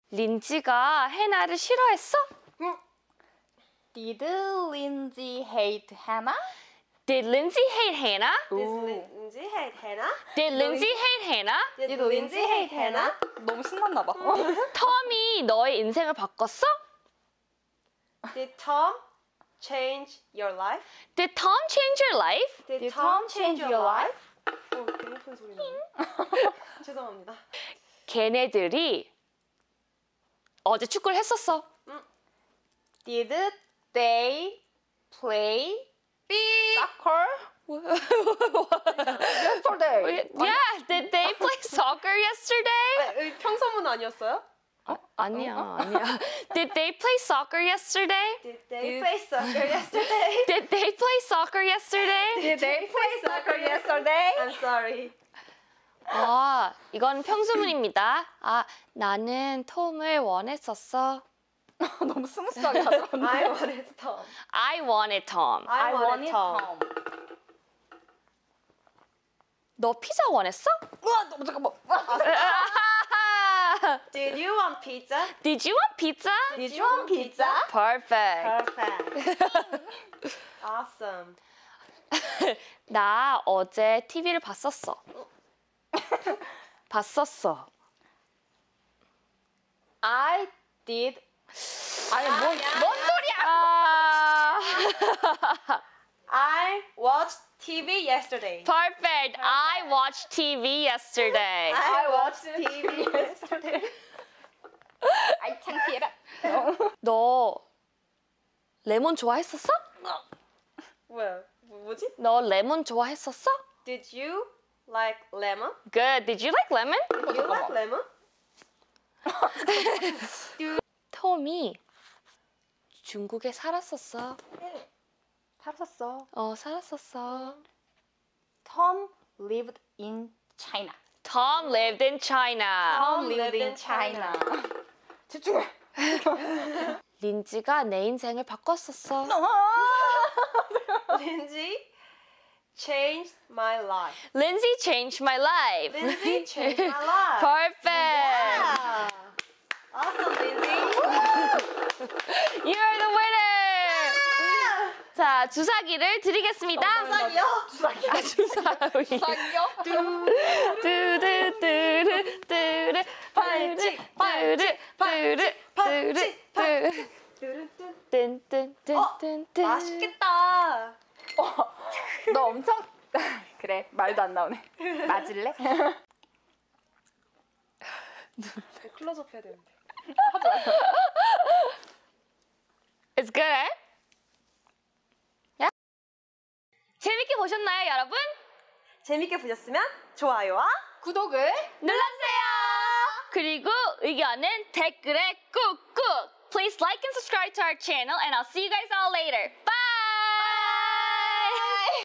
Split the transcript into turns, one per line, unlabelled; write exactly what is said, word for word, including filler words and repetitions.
린지가 해나를 싫어했어?
Did Lindsay hate Hannah?
Did Lindsay hate Hannah?
Did Lindsay hate Hannah?
Did Lindsay hate Hannah?
Did Lindsay hate Hannah?
너무 신났나 봐.
톰이 너의 인생을 바꿨어?
Did Tom change your life?
Did Tom change your life?
Did,
Did
Tom
Tom change your life?
어, 되게 예쁜 소리 나네. 죄송합니다.
걔네들이 어제 축구를 했었어.
Did they play soccer? Yesterday.
Yeah, did they play soccer yesterday?
평소문 아니었어요?
아니야, 아니야. Did they play soccer yesterday?
Did they play soccer yesterday?
Did they play soccer yesterday?
Did they play soccer yesterday?
I'm sorry.
아, 이건 평소문입니다. 아, 나는 톰을 원했었어.
너무 스무스하게 가져갔네.
I wanted Tom.
I wanted Tom.
I wanted Tom.
너 피자 원했어?
우와, 너무 잠깐만.
Did you want pizza?
Did you want pizza?
Did you want pizza?
Perfect.
Perfect. Awesome.
나 어제 티비를 봤었어. 봤었어.
I did. 아니, 뭔,
아니야.
뭔 소리야?
아,
I watched T V yesterday.
perfect. I watched T V yesterday.
I watched T V yesterday.
아이, 창피해라.
너 레몬 좋아했었어?
뭐야? 뭐, 뭐지?
너 레몬 좋아했었어?
Did you like lemon?
Good. Did you like lemon?
Did you like lemon?
톰이 중국에 살았었어.
살았어.
어, 살았었어.
Tom lived in China.
Tom lived in China.
Tom lived in China. 집중해.
린지가 내 인생을 바꿨었어.
Lindsay changed my life.
Lindsay changed my life.
Lindsay changed my life.
Perfect.
Yeah. Awesome, Lindsay.
You're the winner. 자, 주사기를 드리겠습니다.
주사기요?
주사기.
아, 주사위.
주사기요?
뚜르뚜르 뚜르
팔찌,
팔찌 뚜르
팔찌,
뚜르
팔찌. 뚜루뚜.
뚠뚠뚠뚠뚠
맛있겠다.
어, 너 엄청 그래 말도 안 나오네. 맞을래?
클로즈업 해야 되는데.
It's good, eh? Yeah? 재밌게 보셨나요, 여러분?
재밌게 보셨으면 좋아요와
구독을
눌러주세요. 그리고 의견은 댓글에 꾹꾹. Please like and subscribe to our channel, and I'll see you guys all later. Bye.